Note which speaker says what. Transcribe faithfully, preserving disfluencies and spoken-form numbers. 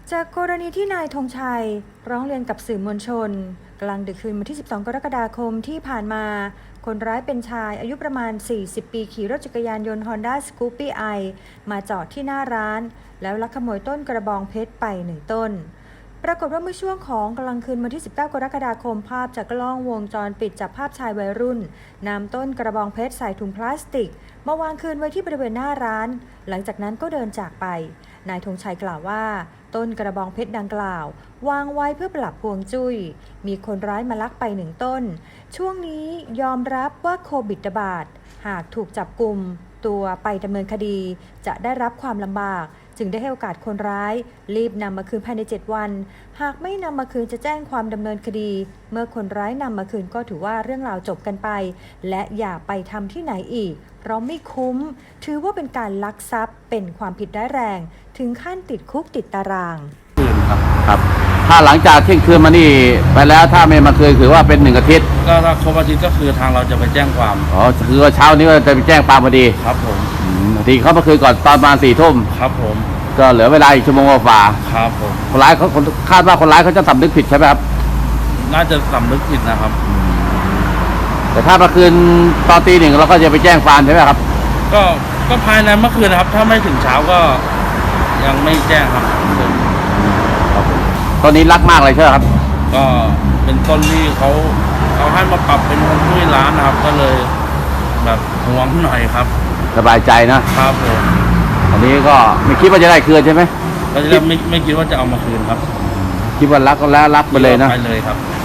Speaker 1: จากกรณีที่นายธงชัยร้องเรียนกับสื่อมวลชนกลางดึกคืนวันที่สิบสองกรกฎาคมที่ผ่านมาคนร้ายเป็นชายอายุประมาณสี่สิบปีขี่รถจักรยานยนต์ Honda Scoopy i มาจอดที่หน้าร้านแล้วลักขโมยต้นกระบองเพชรไปหนึ่งต้นปรากฏว่าเมื่อช่วงของกลางคืนวันที่สิบเก้ากรกฎาคมภาพจากกล้องวงจรปิดจับภาพชายวัยรุ่นนำต้นกระบองเพชรใส่ถุงพลาสติกมาวางคืนไว้ที่บริเวณหน้าร้านหลังจากนั้นก็เดินจากไปนายธงชัยกล่าวว่าต้นกระบองเพชรดังกล่าววางไว้เพื่อปรับพวงจุ้ยมีคนร้ายมาลักไปหนึ่งต้นช่วงนี้ยอมรับว่าโควิดระบาดหากถูกจับกุมตัวไปดำเนินคดีจะได้รับความลำบากจึงได้ให้โอกาสคนร้ายรีบนำมาคืนภายในเจ็ดวันหากไม่นำมาคืนจะแจ้งความดำเนินคดีเมื่อคนร้ายนำมาคืนก็ถือว่าเรื่องราวจบกันไปและอย่าไปทำที่ไหนอีกเพราะไม่คุ้มถือว่าเป็นการลักทรัพย์เป็นความผิดร้ายแรงถึงขั้นติดคุกติดตาราง
Speaker 2: คืนครับครับถ้าหลังจากเที่ยงคืนมานี่ไปแล้วถ้าไม่มาคืนถือว่าเป็นหนึ่งอาทิตย์
Speaker 3: ก็ถ้าครบอาทิตย์ก็คือทางเราจะไปแจ้งความ
Speaker 2: อ๋อคือว่าเช้านี้ก็จะไปแจ้งความพอดี
Speaker 3: ครับผม
Speaker 2: ทีเขามาคืนก่อนตอนประมาณสี่ทุ่ม
Speaker 3: ครับผม
Speaker 2: ก็เหลือเวลาอีกชั่วโมงกว่า
Speaker 3: ครับผม
Speaker 2: คนร้ายเขาคาดว่าคนร้ายเขาจะสำนึกผิดใช่ไหมครับ
Speaker 3: น่าจะสำนึกผิดนะครับ
Speaker 2: แต่ถ้ามาคืนตอนตีหนึ่งเราก็จะไปแจ้งความใช่ไหมครับ
Speaker 3: ก็ก็ภายในเมื่อคืนนะครับถ้าไม่ถึงเช้าก็ยังไม่แจ้งครับ
Speaker 2: ตอนนี้รักมากเลยใช่ไหมครับ
Speaker 3: ก็เป็นต้นที่เขาเขาให้มาปรับเป็นคนช่วยร้านนะครับก็เลยแบบห่วงหน่อยครับ
Speaker 2: สบายใจนะครับ
Speaker 3: ผม
Speaker 2: อันนี้ก็ไม่คิดว่าจะได้คืนใช่ไหม
Speaker 3: ก็จะไม่ไม่คิดว่าจะเอามาคืนครับ
Speaker 2: คิดว่ารักก็แล้วรักไปเลยนะ
Speaker 3: ไปเลยครับ